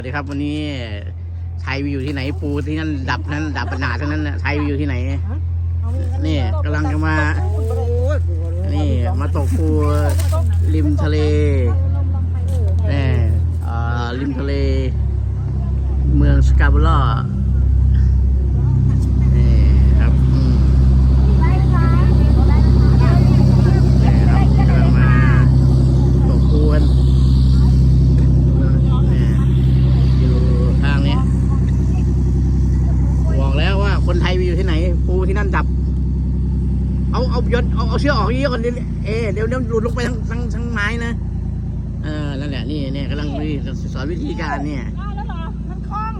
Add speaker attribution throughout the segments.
Speaker 1: สวัสดีครับวันนี้ไทยอยู่ที่ไหนปูที่นั่นดับนั้นดับปัญหาทั้งนั้นไทยอยู่ที่ไหนนี่กำลังจะมานี่มาตกปูริมทะเลนี่ริมทะเลเมืองสกาโบล่านี่ครับนี่ครับกำลังมาตกปูกันทางนี้บอกแล้วว่าคนไทยไปอยู่ที่ไหนปูที่นั่นดับเอาเชือกออกเยอะก่อนเดี๋ยวหลุดลงไปทั้งไม้นะนั่นแหละนี่เนี่ยกำลังสอนวิธีการเนี่ย
Speaker 2: แล้วเหรอมันคล่อง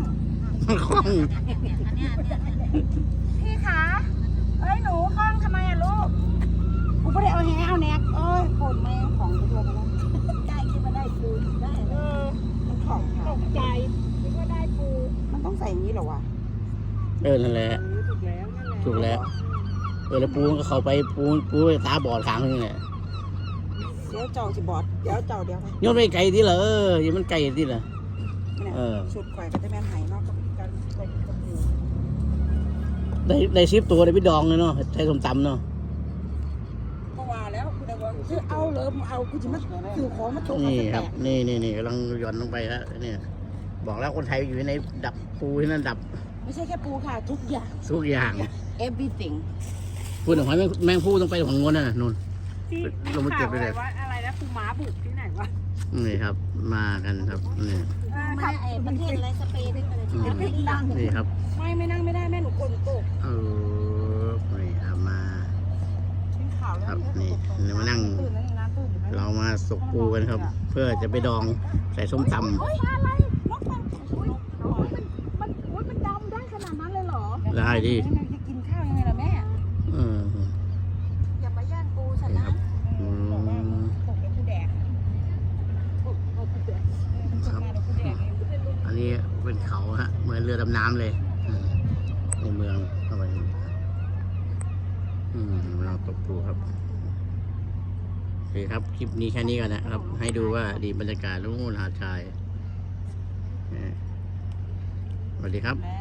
Speaker 2: พี่คะเอ้ยหนูคล่องทำไมอะลูกกูไม่ได้เอาแหนกเอ้ยโคนแม่ของตัวไปแล้วได้คิดว่าได้ปูได้มันของตกใจคิดว่าได้ปูมันต้องใส่อย่างนี้เหรอวะ
Speaker 1: นั่นแหละถูกแล้วแล้วปูก็เข้าไปปูตาบอดข้างนึงเนี่ย
Speaker 2: เดี๋ยวเจ้าสิบอดเดี๋ยว
Speaker 1: โยนไปไกลที่เหรอยังมันไกลที่เหรอ
Speaker 2: ชุดข่อยก็จะแม่นหายนอกกับกัน
Speaker 1: ได้ซิปตัวได้ไปดองเลยเนาะใช้ส้มตำเนาะ
Speaker 2: ก็ว่าแล้วคือเอาเลยเอากูจะมาคือของมาตก
Speaker 1: นี่ครับนี่กำลังหย่อนลงไปแล้วเนี่ยบอกแล้วคนไทยอยู่ในดับปูที่นั่นดับ
Speaker 2: ไม่ใช่แค่ปูค่ะทุกอย่าง everything
Speaker 1: พูดถึงหอยแมงผู้ต้องไปของงนน่ะนุ่นลงมาเก็บไปเลย
Speaker 2: อะไรนะปูม้าบุกที่ไหนวะ
Speaker 1: นี่ครับมากันครับนี่
Speaker 2: มาประเทศอะไรสเปน
Speaker 1: นี่ครับ
Speaker 2: ไม่นั่งไม่ได้แม่หนูกดตก
Speaker 1: นี่ครับมาครับนี่มานั่งเรามาสุกปูกันครับเพื่อจะไปดองใส่ส้มตำ
Speaker 2: มันดำได้ขนาดนั้นเลยเหรอ
Speaker 1: ได้ดิ
Speaker 2: จะกินข้าวยังไงล่ะแม่อย่ามาย่างปูฉันนะ
Speaker 1: อันนี้เป็นเขาฮะเหมือนเรือดำน้ำเลยในเมืองเข้าไปเราตกปูครับโอเคครับคลิปนี้แค่นี้ก่อนนะครับให้ดูว่าดีบรรยากาศรุ่งหาดชายสวัสดีครับ